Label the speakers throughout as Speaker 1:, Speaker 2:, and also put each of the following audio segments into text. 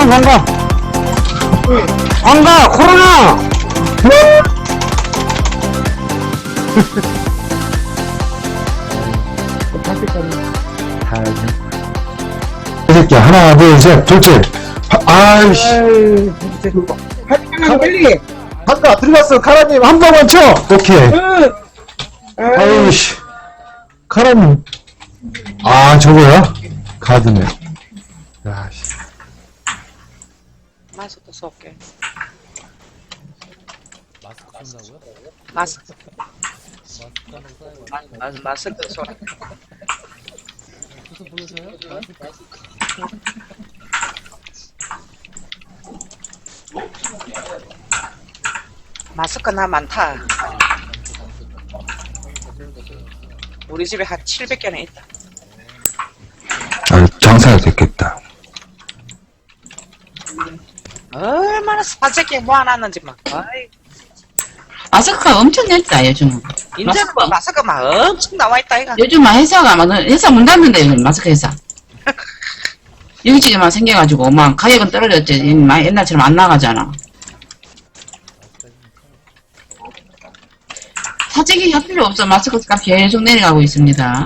Speaker 1: 코로나 반가. 반가, 코로나! 이 새끼야, 하나, 둘, 셋, 둘째. 아이씨.
Speaker 2: 빨리.
Speaker 1: 반가, 들어갔어. 카라님, 한 번만 쳐! 오케이. 아이씨. 카라님. 아, 저거야? 가드네. 야, 씨.
Speaker 3: 마스크 쏠게.
Speaker 4: 마스크 쓴다고요?
Speaker 3: 마스크.
Speaker 4: 마스크 하나 써야겠다.
Speaker 3: 마스크 쏘라.
Speaker 4: 무슨 보여줘요?
Speaker 3: 마스크 나 많다. 우리 집에 한 700개는 있다.
Speaker 1: 아, 장사가 됐겠다.
Speaker 3: 얼마나 사재기 모아놨는지 막. 아이,
Speaker 5: 마스크가 엄청 냈다, 요즘은.
Speaker 3: 인제는 뭐 마스크 막 엄청 나와있다, 이가.
Speaker 5: 요즘 막 회사가 막, 회사 문 닫는데, 요즘 마스크 회사. 여기저기만 생겨가지고, 막 가격은 떨어졌지. 막 옛날처럼 안 나가잖아. 사재기 할 필요 없어. 마스크 값 계속 내려가고 있습니다.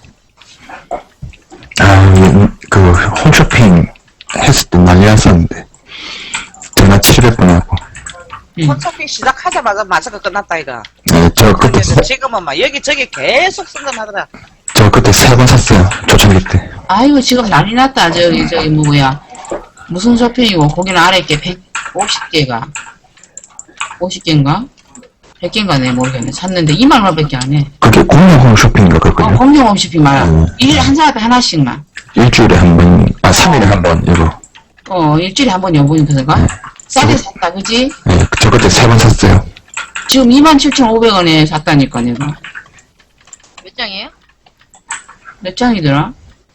Speaker 1: 아, 그, 홈쇼핑 했을 때 난리 났었는데. 전화 700번 하고.
Speaker 3: 콘서트 시작하자마자 마스크 끝났다, 이가.
Speaker 1: 네, 저 그때,
Speaker 3: 근데 지금은 막 여기저기 계속 승근하더라.
Speaker 1: 저 그때 3번 샀어요. 초창기 때.
Speaker 5: 아이고, 지금 난리 났다. 저기, 뭐야. 무슨 쇼핑이고, 거기는 아래 게 150개가. 50개인가? 100개인가 네, 모르겠네. 샀는데 2만 원밖에 안 해.
Speaker 1: 그게 공룡 홈쇼핑인가 그랬거든요.
Speaker 5: 공룡 홈쇼핑 말이야. 한 사람에 하나씩만.
Speaker 1: 일주일에 한 번, 아, 3일에 한 번, 이거.
Speaker 5: 일주일에 한 번 여보니까. 싸게 샀다, 그지?
Speaker 1: 네, 저 그때 3번 샀어요.
Speaker 5: 지금 27,500원에 샀다니까, 내가.
Speaker 6: 몇 장이에요?
Speaker 5: 몇 장이더라?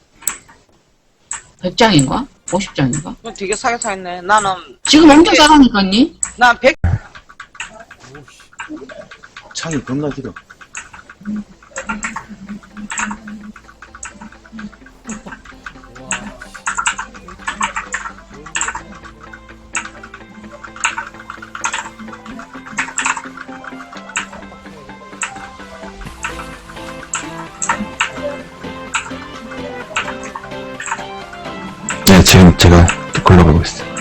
Speaker 5: 100장인가? 50장인가?
Speaker 3: 그건 되게 싸게 사있네. 나는,
Speaker 5: 지금 엄청 싸다니까니?
Speaker 3: 난 100,
Speaker 2: 창이 겁나 길어.
Speaker 1: 네, 지금 제가 굴러가고 있어요.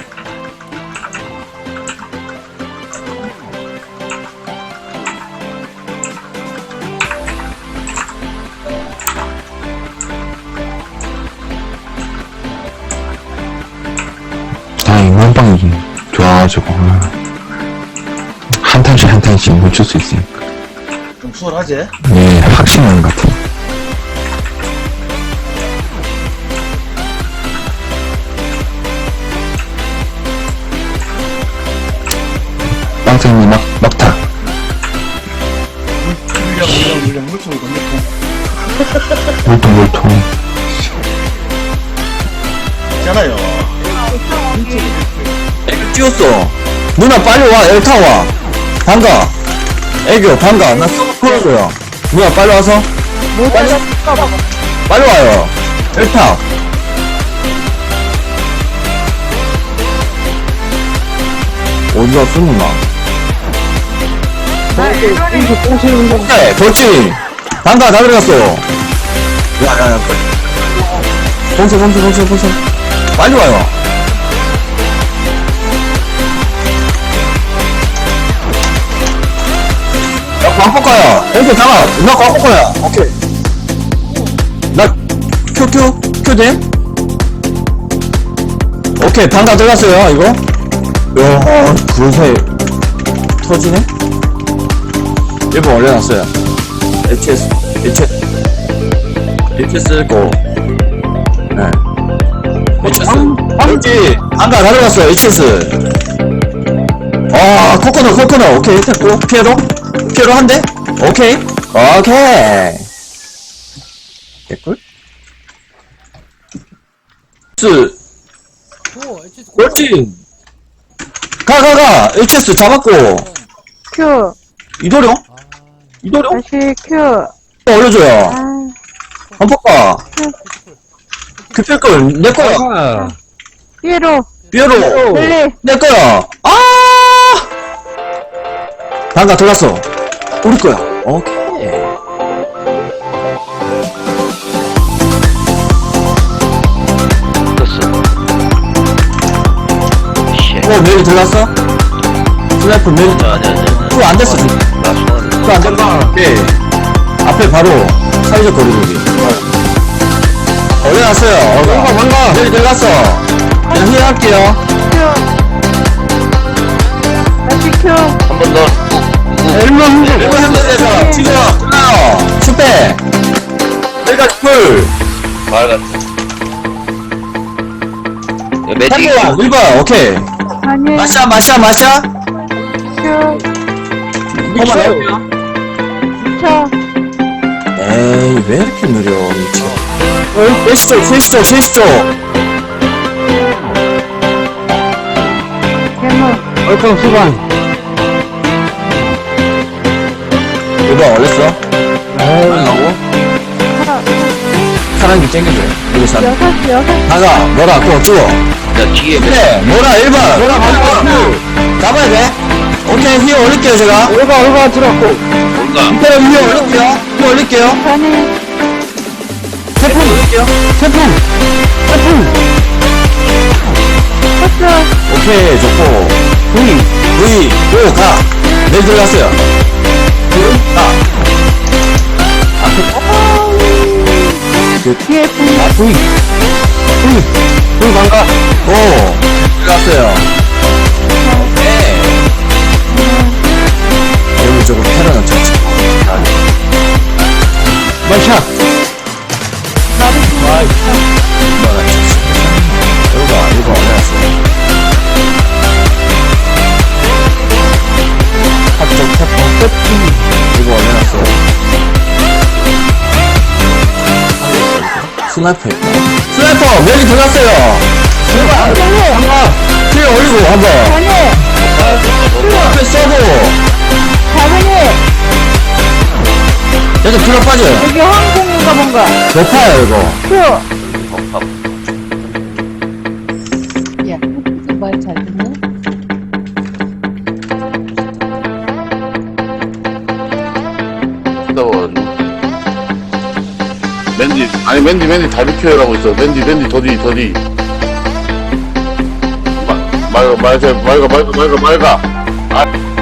Speaker 1: 아, 인간방이 좋아가지고. 한 탄씩 한 탄씩 멈출 수 있으니까.
Speaker 2: 좀 수월하지?
Speaker 1: 네, 확신하는 것 같아요. 빵생이 막타.
Speaker 2: 물량, 물총이 겁나
Speaker 1: 물통.
Speaker 2: 있잖아요.
Speaker 7: 애교 띄웠어. 누나 빨리 와. 엘타 와. 반가. 애교 반가. 나 풀어줘요. 누나 빨리 와서. 빨리 와요. 엘타. 어디 갔어 누나? 오케이 돌진. 반가 다 들어갔어. 야야야. 봉쇄. 빨리 와요. 야, 광폭가야. 이렇게 잡아. 나 광폭가야. 오케이. 나, 큐 됨? 오케이, 반가 들어갔어요, 이거. 야, 그 사이, 터지네? 1번 올려놨어요. HS 고. 네. HS. 그렇지. 반가 다 들어갔어요, HS. 아, 코코넛. 오케이, 됐고. 피에로 한 대? 오케이. 개꿀? 그렇지. 가. HS 잡았고.
Speaker 8: 큐.
Speaker 7: 이도령?
Speaker 8: 다시 큐.
Speaker 7: 올려줘요.
Speaker 8: 아,
Speaker 7: 한폭가. 급필걸, 내 거야.
Speaker 8: 피에로.
Speaker 7: 뾰로
Speaker 8: 릴리.
Speaker 7: 내 거야. 아! 방가 들어갔어. 우리 거야. 오케이. 오, 메리 들어갔어? 슬라이프 메리. 풀 안 됐어, 지금. 풀 안 됐다. 오케이. 앞에 바로 사회적 거리두기. 올려놨어요. 방가. 메리 들어갔어. 그냥 힐할게요.
Speaker 8: 다시 큐.
Speaker 7: 일본 핸들에서 지금 끝나요. 슈페. 내가 풀.
Speaker 9: 매직
Speaker 7: 1번, 오케이.
Speaker 8: 아니.
Speaker 7: 마샤.
Speaker 8: 큐.
Speaker 7: 한번 해볼게요.
Speaker 8: 쳐.
Speaker 7: 에이, 왜 이렇게 느려, 미쳐. 쉐시죠.
Speaker 8: 개무.
Speaker 7: 얼큰 수반. 1번 올렸어? 빨리 가고. 사랑기 땡겨줘. 여기서.
Speaker 8: 6.
Speaker 7: 나가, 뭐라, 그거 찍어.
Speaker 9: 야 뒤에
Speaker 7: 그래, 뭐라, 1번. 뭐라, 잡아야 돼. 오케이, 휘어 올릴게요, 제가. 1번 들었고.
Speaker 9: 뭔가
Speaker 7: 밑에 휘어 올릴게요.
Speaker 8: 아니.
Speaker 7: 태풍 올릴게요. 태풍.
Speaker 8: 쳤어.
Speaker 7: 오케이, 좋고. V. 오, 가. 내일 들어갔어요. 가.
Speaker 8: 뒤에 분.
Speaker 7: 아, V. 반가. 오, 들어갔어요. 오케이. 여기 저거 테러는 쳤지. 마샷. 이거가 쳤어. 이거 올려놨어요. 합적 태풍. 이거 올려놨어요. 스나이퍼 여기 들어갔어요. 한번 뒤에 올리고 한번
Speaker 8: 아니.
Speaker 7: 앞에 쏘고
Speaker 8: 4번이.
Speaker 7: 여기 들어 빠져요.
Speaker 8: 여기 항공인가 뭔가.
Speaker 7: 높아요 이거.
Speaker 8: 큐.
Speaker 5: 말잘 듣네?
Speaker 10: 맨디 다 비켜라고 있어. 맨디 더디. 맑아.